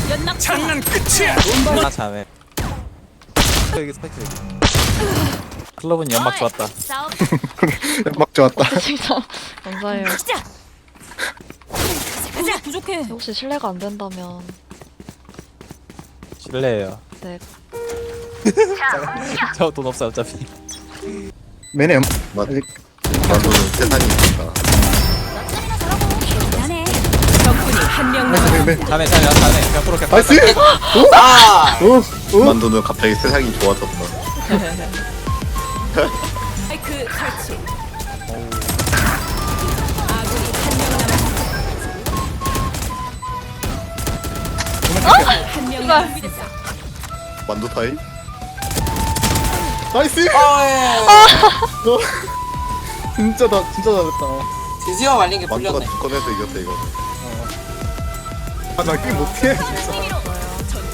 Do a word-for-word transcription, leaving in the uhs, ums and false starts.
연막 장난 끝이야. 아 잘해. 여기 스파이크 여기. 클럽은 연막 좋았다. 싸움 막 좋았다. 진짜 감사해요. 시작. 가자. 부족해. 혹시 실례가 안 된다면 실례예요. 네. 저 돈 없어요 어차피. 매네. 마- 아직 만두는 세상이 있다. 너짜리나 저러고 대단해. 적군이 한명 매, 남았. 매. 자네 자네 자네 그냥 프로 그냥. 나이스. 오, 오, 오. 만두는 갑자기 세상이 좋아졌다. 마이크 설치. 아군이 한명 남았. 한명 남았습니다. 만두 타임? 나이스. 너 진짜 나 진짜 잘했다. 드디어 말린 게 만두가 풀렸네. 두 건에서 이겼다 이거. 아, 나 게임 못해. 진짜.